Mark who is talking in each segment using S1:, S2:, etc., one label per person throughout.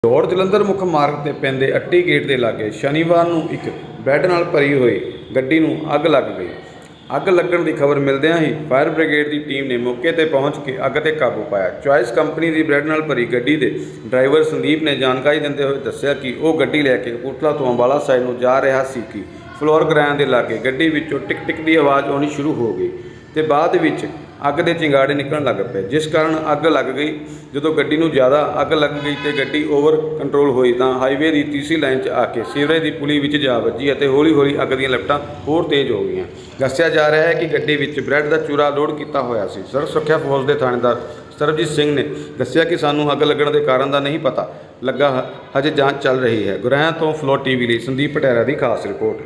S1: ਦੌੜ ਜਲੰਧਰ ਮੁੱਖ ਮਾਰਗ ਤੇ ਪੈਂਦੇ ਅੱਟੀ ਗੇਟ ਦੇ ਲਾਗੇ ਸ਼ਨੀਵਾਰ ਨੂੰ ਇੱਕ ਬੈੱਡ ਨਾਲ ਭਰੀ ਹੋਈ ਗੱਡੀ ਨੂੰ ਅੱਗ ਲੱਗ ਗਈ। ਅੱਗ ਲੱਗਣ ਦੀ ਖਬਰ ਮਿਲਦਿਆਂ ਹੀ ਫਾਇਰ ਬ੍ਰਿਗੇਡ ਦੀ ਟੀਮ ਨੇ ਮੌਕੇ ਤੇ ਪਹੁੰਚ ਕੇ ਅੱਗ ਤੇ ਕਾਬੂ ਪਾਇਆ। ਚੁਆਇਸ ਕੰਪਨੀ ਦੀ ਬ੍ਰੈਡ ਨਾਲ ਭਰੀ ਗੱਡੀ ਦੇ ਡਰਾਈਵਰ ਸੰਦੀਪ ਨੇ ਜਾਣਕਾਰੀ ਦਿੰਦੇ ਹੋਏ ਦੱਸਿਆ ਕਿ ਉਹ ਗੱਡੀ ਲੈ ਕੇ ਕਪੂਰਥਲਾ ਤੋਂ ਅੰਬਾਲਾ ਸਾਈਡ ਨੂੰ ਜਾ ਰਿਹਾ ਸੀ ਕਿ ਫਲੋਰ ਗ੍ਰੈਂਡ ਦੇ ਲਾਗੇ ਗੱਡੀ ਵਿੱਚੋਂ ਟਿਕ ਟਿਕ ਦੀ ਆਵਾਜ਼ ਆਉਣੀ ਸ਼ੁਰੂ ਹੋ ਗਈ ਤੇ ਬਾਅਦ ਵਿੱਚ ਅੱਗ ਦੇ ਚਿੰਗਾੜੇ ਨਿਕਲਣ ਲੱਗ ਪਏ, ਜਿਸ ਕਾਰਨ ਅੱਗ ਲੱਗ ਗਈ। ਜਦੋਂ ਗੱਡੀ ਨੂੰ ਜ਼ਿਆਦਾ ਅੱਗ ਲੱਗ ਗਈ ਤੇ ਗੱਡੀ ਓਵਰ ਕੰਟਰੋਲ ਹੋਈ ਤਾਂ ਹਾਈਵੇ ਦੀ ਤੀਸਰੀ ਲਾਈਨ 'ਚ ਆ ਕੇ ਸੀਵਰੇਜ ਦੀ ਪੁਲੀ ਵਿੱਚ ਜਾ ਵੱਜੀ ਅਤੇ ਹੌਲੀ-ਹੌਲੀ ਅੱਗ ਦੀਆਂ ਲਪਟਾਂ ਹੋਰ ਤੇਜ਼ ਹੋ ਗਈਆਂ। ਦੱਸਿਆ ਜਾ ਰਿਹਾ ਹੈ ਕਿ ਗੱਡੀ ਵਿੱਚ ਬ੍ਰੈਡ ਦਾ ਚੂਰਾ ਲੋਡ ਕੀਤਾ ਹੋਇਆ ਸੀ। ਸੜਕ ਸੁਰੱਖਿਆ ਫੌਜ ਦੇ ਥਾਣੇਦਾਰ ਸਰਬਜੀਤ ਸਿੰਘ ਨੇ ਦੱਸਿਆ ਕਿ ਸਾਨੂੰ ਅੱਗ ਲੱਗਣ ਦੇ ਕਾਰਨ ਦਾ ਨਹੀਂ ਪਤਾ ਲੱਗਾ, ਹਜੇ ਜਾਂਚ ਚੱਲ ਰਹੀ ਹੈ। ਗੁਰੈਂ ਤੋਂ ਫਲੋਰ ਟੀਵੀ ਲਈ ਸੰਦੀਪ ਪਟੇਰਾ ਦੀ ਖਾਸ ਰਿਪੋਰਟ।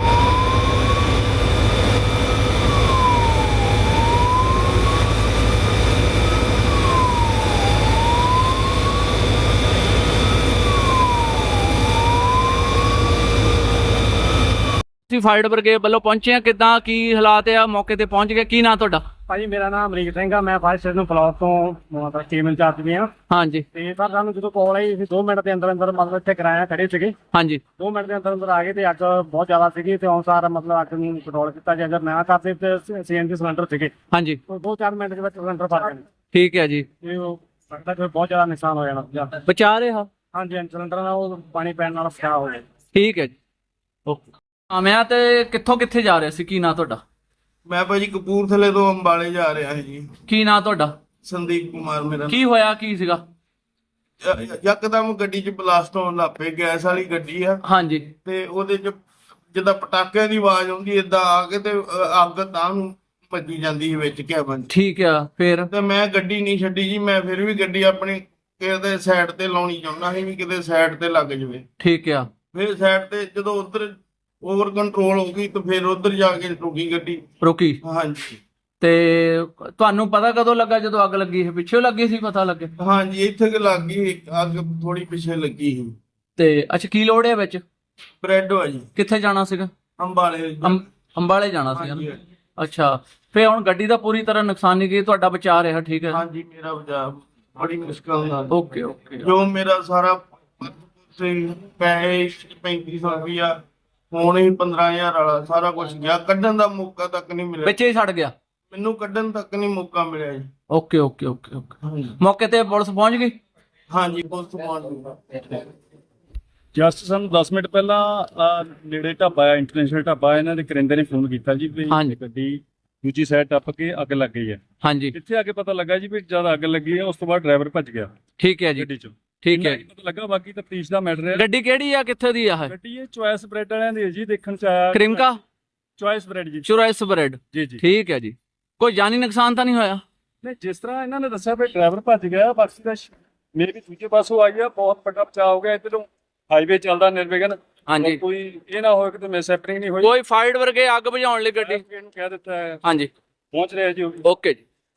S2: ਫਾਇਰ ਬ੍ਰਿਗੇਡ ਵੱਲੋਂ ਪਹੁੰਚੇ ਆ, ਕਿੱਦਾਂ ਕੀ ਹਾਲਾਤ ਆ? ਮੌਕੇ ਤੇ ਪਹੁੰਚ ਗਏ। ਕੀ ਨਾਂ ਤੁਹਾਡਾ?
S3: ਭਾਜੀ ਮੇਰਾ ਨਾਮ ਅਮਰੀਕ ਸਿੰਘ ਆ। ਮੈਂ ਫਾਇਰ ਸਟੇਸ਼ਨ ਫਲੋਰ ਤੋਂ ਮਤਲਬ ਟੀਮ ਇੰਚਾਰਜ ਵੀ ਆ।
S2: ਹਾਂਜੀ।
S3: ਤੇ ਸਰ ਸਾਨੂੰ ਜਦੋਂ ਕਾਲ ਆਈ ਅਸੀਂ 2 ਮਿੰਟ ਦੇ ਅੰਦਰ ਅੰਦਰ ਮਤਲਬ ਇੱਥੇ ਕਿਰਾਇਆ ਖੜੇ ਸੀਗੇ।
S2: ਹਾਂਜੀ।
S3: 2 ਮਿੰਟ ਦੇ ਅੰਦਰ ਅੰਦਰ ਆ ਗਏ ਤੇ ਅੱਗ ਬਹੁਤ ਜ਼ਿਆਦਾ ਸੀਗੀ ਤੇ ਅਨੁਸਾਰ ਮਤਲਬ ਅੱਗ ਨੂੰ ਕੰਟਰੋਲ ਕੀਤਾ। ਜੇ ਅਗਰ ਨਾ ਕਰਦੇ ਤੇ ਸੀਐਨਜੀ ਸਿਲੰਡਰ ਸੀਗੇ।
S2: ਹਾਂਜੀ।
S3: 2-4 ਮਿੰਟ ਦੇ ਵਿੱਚ ਸਿਲੰਡਰ ਫਟ ਗਏ।
S2: ਠੀਕ ਹੈ ਜੀ।
S3: ਤੇ ਉਹ ਲੱਗਦਾ ਕਿ ਬਹੁਤ ਜ਼ਿਆਦਾ ਨੁਕਸਾਨ ਹੋ ਜਾਣਾ।
S2: ਬਚਾ ਰਿਹਾ?
S3: ਹਾਂਜੀ, ਸਿਲੰਡਰ ਨਾਲ ਉਹ ਪਾਣੀ ਪੈਣ ਨਾਲ ਬਚਾਅ ਹੋ ਗਿਆ।
S2: ਠੀਕ ਹੈ ਜੀ, ਓਕੇ। ਮੈਂ ਤੇ ਕਿੱਥੋਂ ਕਿੱਥੇ ਜਾ ਰਿਹਾ ਸੀ? ਕੀ ਨਾਂ ਤੁਹਾਡਾ?
S4: ਮੈਂ ਭਾਜੀ ਕਪੂਰਥਲੇ ਤੋਂ ਅੰਬਾਲੇ ਜਾ ਰਿਹਾ ਸੀ ਜੀ।
S2: ਕੀ ਨਾਂ ਤੁਹਾਡਾ?
S4: ਸੰਦੀਪ ਕੁਮਾਰ ਮੇਰਾ।
S2: ਕੀ ਹੋਇਆ, ਕੀ ਸੀਗਾ?
S4: ਯਕਦਮ ਗੱਡੀ 'ਚ ਬਲਾਸਟ ਹੋਣ ਲੱਗ ਪਏ। ਗੈਸ ਵਾਲੀ ਗੱਡੀ ਆ।
S2: ਹਾਂਜੀ।
S4: ਤੇ ਉਹਦੇ 'ਚ ਜਿੱਦਾਂ ਪਟਾਕਿਆਂ ਦੀ ਆਵਾਜ਼ ਆਉਂਦੀ ਏਦਾਂ ਆ ਕੇ ਤੇ ਅੱਗ ਤਾਂ ਨੂੰ ਭੱਜੀ ਜਾਂਦੀ ਸੀ ਵਿੱਚ ਕੈਬਨ 'ਚ।
S2: ਠੀਕ ਆ। ਫਿਰ
S4: ਤੇ ਮੈਂ ਗੱਡੀ ਨਹੀਂ ਛੱਡੀ ਜੀ। ਮੈਂ ਫਿਰ ਵੀ ਗੱਡੀ ਆਪਣੀ ਕਿਤੇ ਸਾਈਡ ਤੇ ਲਾਉਣੀ ਚਾਹੁੰਦਾ ਸੀ ਵੀ ਕਿਤੇ ਸਾਈਡ ਤੇ ਲੱਗ ਜਾਵੇ।
S2: ਠੀਕ ਆ।
S4: ਫਿਰ ਸਾਈਡ ਤੇ ਜਦੋਂ ਉਧਰ ਓਵਰ ਕੰਟਰੋਲ ਹੋ ਗਈ ਤੇ ਫਿਰ ਉਧਰ ਜਾ ਕੇ ਰੁਕੀ ਗੱਡੀ।
S2: ਰੁਕੀ?
S4: ਹਾਂਜੀ।
S2: ਤੇ ਤੁਹਾਨੂੰ ਪਤਾ ਕਦੋਂ ਲੱਗਾ? ਜਦੋਂ ਅੱਗ ਲੱਗੀ ਸੀ ਪਿੱਛੇ ਲੱਗੀ ਸੀ? ਪਤਾ ਲੱਗੇ?
S4: ਹਾਂਜੀ, ਇੱਥੇ ਕਿ ਲੱਗ ਗਈ ਅੱਗ, ਥੋੜੀ ਪਿੱਛੇ ਲੱਗੀ ਸੀ।
S2: ਤੇ ਅੱਛਾ, ਕੀ ਲੋੜ ਹੈ ਵਿੱਚ?
S4: ਬ੍ਰੈਡ ਆ ਜੀ।
S2: ਕਿੱਥੇ ਜਾਣਾ ਸੀਗਾ?
S4: ਅੰਬਾਲੇ।
S2: ਅੰਬਾਲੇ ਜਾਣਾ ਸੀਗਾ।
S4: ਹਾਂਜੀ।
S2: ਅੱਛਾ, ਫੇ ਹੁਣ ਗੱਡੀ ਦਾ ਪੂਰੀ ਤਰ੍ਹਾਂ ਨੁਕਸਾਨ ਨਹੀਂ ਗਿਆ, ਤੁਹਾਡਾ ਬਚਾ ਰਿਹਾ? ਠੀਕ ਹੈ।
S4: ਹਾਂਜੀ, ਮੇਰਾ ਬਚਾਅ ਬੜੀ ਮੁਸ਼ਕਲ ਨਾਲ।
S2: Okay okay.
S4: ਜੋ ਮੇਰਾ ਸਾਰਾ ਪੈਸੇ 3500 ਰੁਪਇਆ ਹੁਣ ਹੀ 15000 ਵਾਲਾ ਸਾਰਾ ਕੁਝ ਗਿਆ। ਕੱਢਣ ਦਾ ਮੌਕਾ ਤੱਕ ਨਹੀਂ ਮਿਲਿਆ।
S2: ਵਿੱਚ ਹੀ ਛੱਡ ਗਿਆ?
S4: ਮੈਨੂੰ ਕੱਢਣ ਤੱਕ ਨਹੀਂ ਮੌਕਾ ਮਿਲਿਆ ਜੀ।
S2: Okay okay okay okay. ਮੌਕੇ ਤੇ ਪੁਲਿਸ ਪਹੁੰਚ ਗਈ?
S4: ਹਾਂਜੀ, ਪੁਲਿਸ ਪਹੁੰਚ ਗਈ।
S3: ਜਸਟ ਸਾਨੂੰ 10 ਮਿੰਟ ਪਹਿਲਾਂ ਨੇੜੇ ਢਾਬਾ ਆ, ਇੰਟਰਨੈਸ਼ਨਲ ਢਾਬਾ, ਇਹਨਾਂ ਦੇ ਕਰਿੰਦੇ ਨੇ ਫੋਨ ਕੀਤਾ ਜੀ ਵੀ ਗੱਡੀ ਦੂਜੀ ਸਾਈਡ ਟੱਪ ਕੇ ਅੱਗ ਲੱਗ ਗਈ ਹੈ।
S2: ਹਾਂਜੀ।
S3: ਇੱਥੇ ਆ ਕੇ ਪਤਾ ਲੱਗਾ ਜੀ ਵੀ ਜਦ ਅੱਗ ਲੱਗੀ ਹੈ ਉਸ ਤੋਂ ਬਾਅਦ ਡਰਾਈਵਰ ਭੱਜ ਗਿਆ।
S2: ਠੀਕ ਹੈ ਜੀ।
S3: ਗੱਡੀ ਚੋਂ
S2: ਠੀਕ ਹੈ।
S3: ਪਤਾ ਲੱਗਾ, ਬਾਕੀ ਤਫਤੀਸ਼ ਦਾ ਮੈਟਰ ਹੈ।
S2: ਗੱਡੀ ਕਿਹੜੀ ਆ, ਕਿੱਥੇ ਦੀ ਆ?
S3: ਗੱਡੀ ਇਹ ਚੁਆਇਸ ਬ੍ਰੈਡ ਵਾਲਿਆਂ ਦੀ ਹੈ ਜੀ। ਦੇਖਣ ਚ ਆਇਆ
S2: ਕ੍ਰਿਮਕਾ
S3: ਚੁਆਇਸ ਬ੍ਰੈਡ ਜੀ।
S2: ਚੁਆਇਸ ਬ੍ਰੈਡ
S3: ਜੀ ਜੀ।
S2: ਠੀਕ ਹੈ ਜੀ। ਕੋਈ ਜਾਨੀ ਨੁਕਸਾਨ ਤਾਂ ਨਹੀਂ ਹੋਇਆ?
S3: ਨਹੀਂ, ਜਿਸ ਤਰ੍ਹਾਂ ਇਹਨਾਂ ਨੇ ਦੱਸਿਆ ਵੀ ਡਰਾਈਵਰ ਭੱਜ ਗਿਆ, ਬਾਕੀ ਦਾ ਮੇਰੇ ਵੀ ਦੂਜੇ ਪਾਸੋਂ ਆਈ ਆ। ਬਹੁਤ ਵੱਡਾ ਬਚਾਅ ਹੋ ਗਿਆ। ਇੱਧਰੋਂ ਹਾਈਵੇ ਚੱਲਦਾ ਨਿਰਵਿਘਨ।
S2: ਹਾਂਜੀ।
S3: ਕੋਈ ਇਹ ਨਾ ਹੋਵੇ ਕਿ ਮਿਸ ਹੈਪਨਿੰਗ ਨਹੀਂ ਹੋਈ।
S2: ਕੋਈ ਫਾਇਰ ਵਰਗੇ ਅੱਗ ਬੁਝਾਉਣ ਲਈ ਗੱਡੀ
S3: ਨੂੰ ਕਹਿ ਦਿੱਤਾ ਹੈ।
S2: ਹਾਂਜੀ,
S3: ਪਹੁੰਚ ਰਿਹਾ ਜੀ।
S2: ਓਕੇ ਜੀ।